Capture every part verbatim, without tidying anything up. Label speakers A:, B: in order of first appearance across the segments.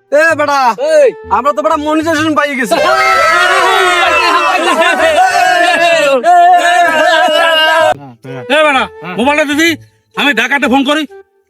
A: এ বেটা আমরা তো বেটা মনিটাইজেশন পাই গেছি।
B: এ বেটা মোবাইলটা দিদি, আমি ঢাকাতে ফোন করি।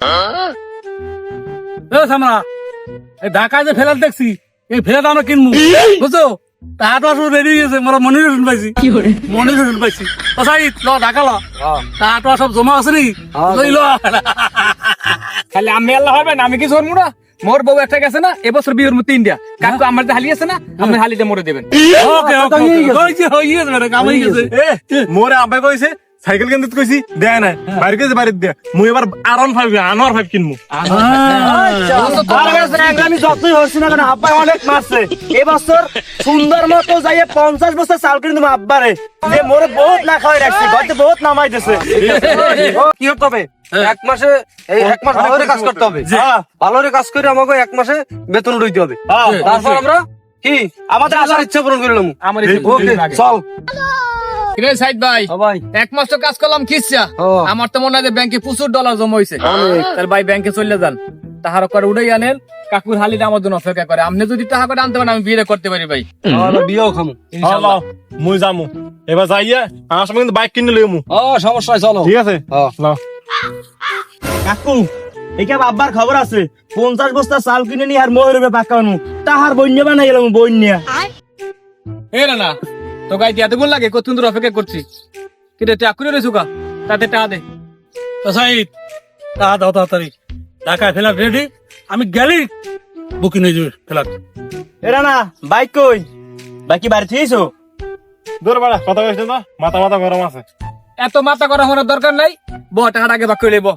B: এ সামরা, এই ঢাকায় যে ফেলার দেখছি, এই ফেলাটা আমরা কিনবো বুঝছো। তাহাতো আসলে রেডি হয়ে গেছে, মোরা মনিটাইজেশন পাইছি, মনিটাইজেশন পাইছি। তো সাই ল ঢাকা ল, তাহাতো সব জমা আছে নি, লই ল।
C: খালি আমি আল্লাহ হবে না, আমি কি করবো না। মোর বউ একটা গেছে না, এবছর বিয়ের মধ্যে ইন্ডিয়া কাকু আমার যে হালি আছে না, আপনি হালিটা মরে দেবেন।
B: ওকে ওকে হইছে হইছে বেটা, কামাই গেছে।
D: মোরে আব্বাই কইছে সাইকেল কিনতে কইছি দেয় না, বাইরে গেছে বাড়িতে দেয়া। মুই এবার আরন ফাইভ আনোয়ার ফাইভ কিনবো।
A: আমি যতই হচ্ছি না কেন আব্বা অনেক মারছে। এবছর সুন্দর মতো যাইয়ে পঞ্চাশ বছর চাল কিনে দেবো আব্বারে, যে মোরে বহুত না খাওয়াই রাখছে, ঘরতে বহুত নামাই দিছে। কি হতে হবে এক মাসে, এই এক মাস ভালো করে কাজ করতে হবে, ভালো করে কাজ করে আমাকে এক মাসে বেতন উঠাইতে হবে। তারপর আমরা কি আমাদের আসার ইচ্ছা পূরণ করলাম।
C: আমার
A: ওকে চল।
C: কিরে সাইদ ভাই,
A: ভাই
C: এক মাস তো কাজ করলাম কিচ্ছা, আমার তো মনে হয় যে ব্যাংকে প্রচুর ডলার জমা হয়েছে। তাহলে ভাই ব্যাংকে চলে যান, তাহার করে উড়াই আনেন, কাকুর হালিটা আমার জন্য অপেক্ষা করে। আপনি যদি টাকা করে আনতে পারেন আমি বিয়ে করতে পারি ভাই।
A: আমরা বিয়েও খামু।
D: হ্যালো মুই যামু এবার যাইয়া আমার সময় কিন্তু বাইক কিনে লইমু।
A: ও সমস্যা নাই, চলো।
D: ঠিক আছে নাও।
A: কাকু এইখানে আব্বার খবর আছে, পঞ্চাশ বস্তা চাল কিনে নি আর ময়ূর পাকানো তাহার বন্য বানাই গেলাম বন্যা।
C: এ না না তো গাই দিয়ে এতগুলো লাগে, কত সুন্দর অপেক্ষা করছি। কিন্তু টাকা করে রয়েছু কা, তাতে টাকা দে।
B: তো সাই টাকা দাও তাড়াতাড়ি, ঢাকায় ফেলার রেডি, আমি গেলি বুকিং হয়ে যাবে ফেলার।
A: এরা না বাইক কই, বাইক কি বাড়ি থেকেছো?
D: দূর বাড়া কথা কইছ না, মাথা মাথা গরম আছে।
C: এত মাথা করা হওয়ার দরকার নাই, ব টাকাটা আগে বাক করে লেব।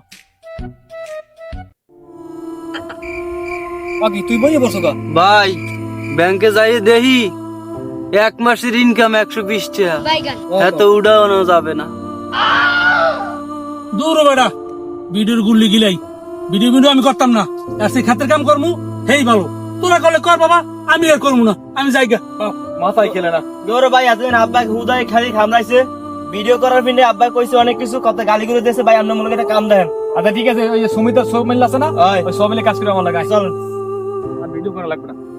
C: বাকি তুই বই বসো কা
A: ভাই ব্যাংকে যাই দেখি এক মাসের ইনকাম একশো বিশ টাকা, এত উড়ানো যাবে না।
B: দূর বেটা, ভিডিওর গুল্লি গিলাই, ভিডিও ভিডিও আমি করতাম না, আর সেই খাতের কাম করমু হেই ভালো। তোরা করলে কর বাবা, আমি আর করবো না, আমি যাই গা।
C: মাথায় খেলে না।
A: দৌড় ভাই এতদিন আব্বাকে হুদায় খালি খামড়াইছে, ভিডিও করার পিনে আব্বা কইছে অনেক কিছু, কত গালি করে দিয়েছে। ভাই আপনার মনে একটা কাম দেন।
C: আচ্ছা ঠিক আছে, ওই যে সুমিতার সব মিল আছে না, ওই সব মিলে কাজ করে আমার লাগে।
A: চল
C: আর ভিডিও করা লাগবে না।